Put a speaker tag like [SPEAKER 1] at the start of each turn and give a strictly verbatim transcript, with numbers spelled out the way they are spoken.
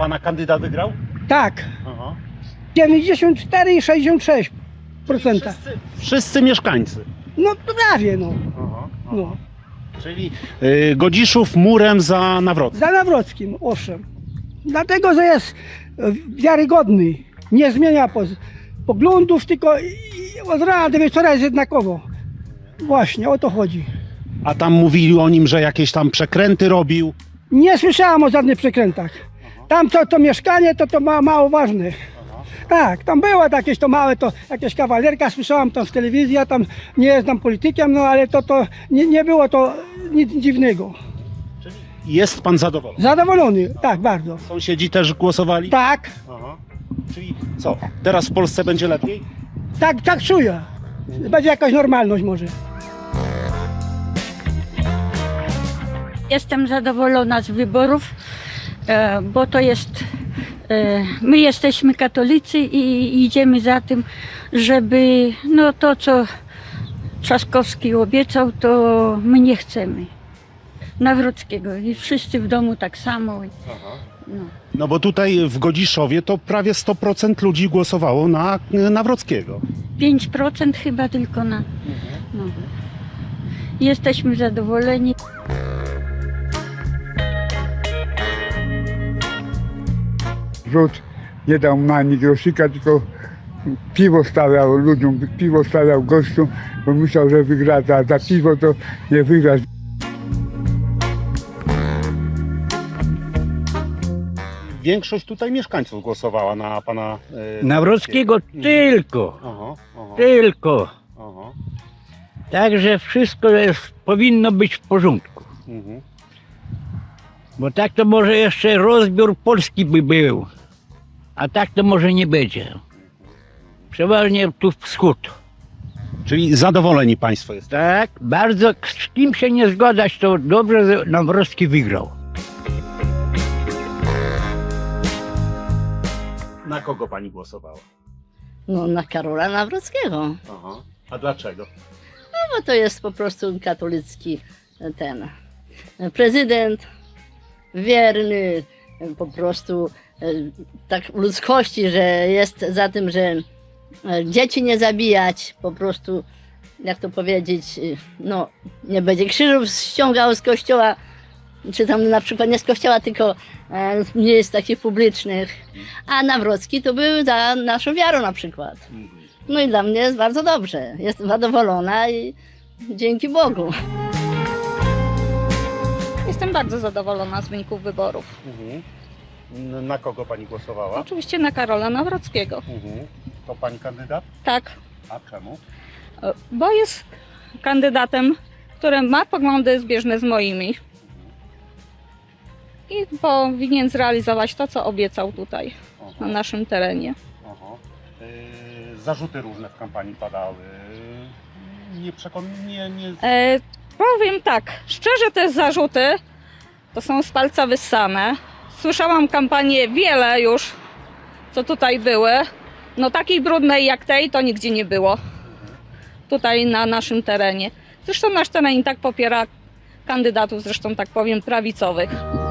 [SPEAKER 1] pana kandydat wygrał?
[SPEAKER 2] Tak,
[SPEAKER 1] Aha.
[SPEAKER 2] dziewięćdziesiąt cztery i sześćdziesiąt sześć procent.
[SPEAKER 1] Wszyscy, wszyscy mieszkańcy.
[SPEAKER 2] No prawie no.
[SPEAKER 1] Aha, aha.
[SPEAKER 2] no.
[SPEAKER 1] Czyli y, Godziszów murem za Nawrockim.
[SPEAKER 2] Za Nawrockim, owszem. Dlatego, że jest e, wiarygodny. Nie zmienia poz, poglądów, tylko i- i od rana do wieczora jest jednakowo. Właśnie, o to chodzi.
[SPEAKER 1] A tam mówili o nim, że jakieś tam przekręty robił.
[SPEAKER 2] Nie słyszałam o żadnych przekrętach. Tam to, to mieszkanie to, to ma, mało ważne. Tak, tam było jakieś to małe, to jakieś kawalerka, słyszałam tam z telewizji, ja tam nie jestem politykiem, no ale to, to nie, nie było to nic dziwnego.
[SPEAKER 1] Jest pan zadowolony?
[SPEAKER 2] Zadowolony, tak, bardzo.
[SPEAKER 1] Sąsiedzi też głosowali?
[SPEAKER 2] Tak,
[SPEAKER 1] Aha. Czyli co, teraz w Polsce będzie lepiej?
[SPEAKER 2] tak, tak czuję. Będzie jakaś normalność może.
[SPEAKER 3] Jestem zadowolona z wyborów, e, bo to jest, e, my jesteśmy katolicy i idziemy za tym, żeby no to, co Trzaskowski obiecał, to my nie chcemy. Nawrockiego i wszyscy w domu tak samo. No.
[SPEAKER 1] No bo tutaj w Godziszowie to prawie sto procent ludzi głosowało na y, Nawrockiego.
[SPEAKER 3] pięć procent chyba tylko na... No. Jesteśmy zadowoleni.
[SPEAKER 4] Rząd nie dał ani grosika, tylko piwo stawiał ludziom, piwo stawiał gościom, bo myślał, że wygra za, za piwo, to nie wygra.
[SPEAKER 1] Większość tutaj mieszkańców głosowała na pana y,
[SPEAKER 5] Nawrockiego tylko,
[SPEAKER 1] Aha, aha,
[SPEAKER 5] tylko.
[SPEAKER 1] aha.
[SPEAKER 5] Także wszystko jest, powinno być w porządku.
[SPEAKER 1] Mhm.
[SPEAKER 5] Bo tak to może jeszcze rozbiór Polski by był. A tak to może nie będzie. Przeważnie tu wschód.
[SPEAKER 1] Czyli zadowoleni państwo jest.
[SPEAKER 5] Tak, bardzo z kim się nie zgadzać, to dobrze, że Nawrocki wygrał.
[SPEAKER 1] Na kogo pani głosowała?
[SPEAKER 6] No na Karola Nawrockiego,
[SPEAKER 1] Aha. A dlaczego?
[SPEAKER 6] no bo to jest po prostu katolicki ten prezydent, wierny, po prostu e, tak ludzkości, że jest za tym, że e, dzieci nie zabijać, po prostu, jak to powiedzieć, e, no nie będzie krzyżów ściągał z kościoła, czy tam na przykład nie z kościoła, tylko e, nie jest takich publicznych, a Nawrocki to był za naszą wiarą na przykład. No i dla mnie jest bardzo dobrze. Jestem zadowolona i dzięki Bogu.
[SPEAKER 7] Jestem bardzo zadowolona z wyników wyborów.
[SPEAKER 1] Mhm. N- Na kogo pani głosowała?
[SPEAKER 7] Oczywiście na Karola Nawrockiego.
[SPEAKER 1] Mhm. To pani kandydat?
[SPEAKER 7] Tak,
[SPEAKER 1] A czemu?
[SPEAKER 7] bo jest kandydatem, który ma poglądy zbieżne z moimi. I powinien zrealizować to, co obiecał tutaj, na naszym terenie.
[SPEAKER 1] Aha. Y, zarzuty różne w kampanii padały. Nie przekon... Nie, nie...
[SPEAKER 7] E, powiem tak, szczerze te zarzuty to są z palca wyssane. Słyszałam kampanię wiele już, co tutaj były. No takiej brudnej jak tej to nigdzie nie było. Tutaj na naszym terenie. Zresztą nasz teren i tak popiera kandydatów, zresztą tak powiem, prawicowych.